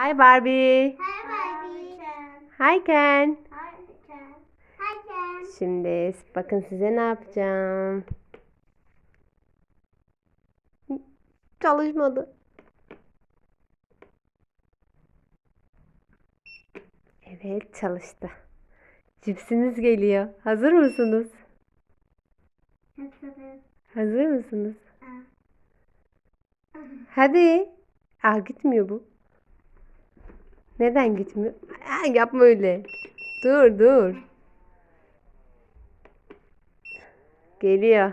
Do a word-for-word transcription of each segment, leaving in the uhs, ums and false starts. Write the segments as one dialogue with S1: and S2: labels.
S1: Hi Barbie.
S2: Hi, Barbie.
S1: Hi Ken.
S2: Hi, Ken. Hi, Ken.
S1: Şimdi bakın size ne yapacağım. Çalışmadı. Evet, çalıştı. Cipsiniz geliyor. Hazır mısınız?
S2: Hazırız.
S1: Hazır mısınız?
S2: Aa.
S1: Hadi. Aa, gitmiyor bu. Neden gitmiyor? Aa, yapma öyle. Dur dur. Geliyor.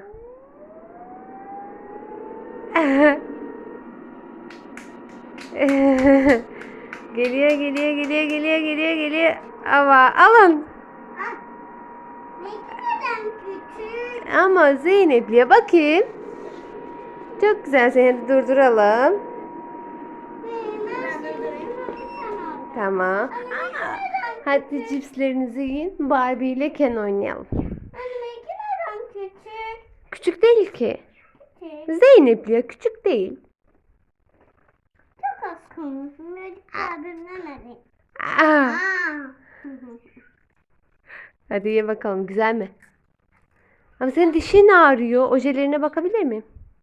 S1: Geliyor geliyor geliyor geliyor geliyor geliyor. Ama alın.
S2: Ah, ne kadar küçük.
S1: Ama Zeynep'liye bakayım. Çok güzel, seni de durduralım.
S2: Hmm, ben durdurayım.
S1: Tamam. Hadi cipslerinizi yiyin. Barbie ile Ken oynayalım.
S2: Anne ne kadar küçük.
S1: Küçük değil ki.
S2: Küçük.
S1: Zeynep'liye küçük değil.
S2: Çok az kalmışsın. Birazcık daha dinlemedik.
S1: Aa,
S2: Aa.
S1: hadi ye bakalım, güzel mi? Ama senin dişin ağrıyor. Ojelerine bakabilir miyim?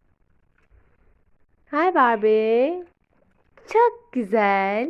S1: Hi Barbie. Çok güzel.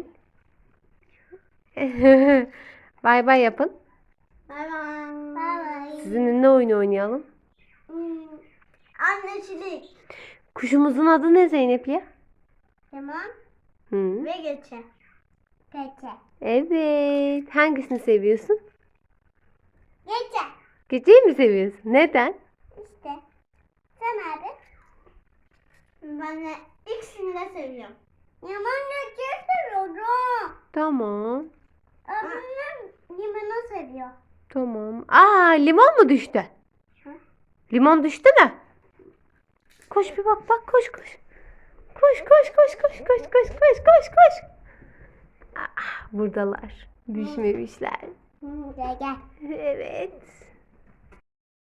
S1: Bay bay yapın.
S2: Bye bye. Bye bye.
S1: Sizinle ne oyunu oynayalım?
S2: Hmm. Annecilik.
S1: Kuşumuzun adı ne Zeynep'liye?
S2: Tamam.
S1: Hı.
S2: Ve geçe. Geçe.
S1: Evet. Hangisini seviyorsun?
S2: Geçe.
S1: Geceyi mi seviyorsun? Neden?
S2: İşte. Sen abi. Ben de ikisini de seviyorum. Yaman geçeyi seviyorum.
S1: Tamam.
S2: Abimler limonu seviyor.
S1: Tamam. Aa, limon mu düştü?
S2: Hı?
S1: Limon düştü mü? Koş bir bak bak, koş koş. Koş koş koş koş koş koş koş koş koş. Aa, buradalar. Düşmemişler.
S2: Hı, gel gel.
S1: Evet.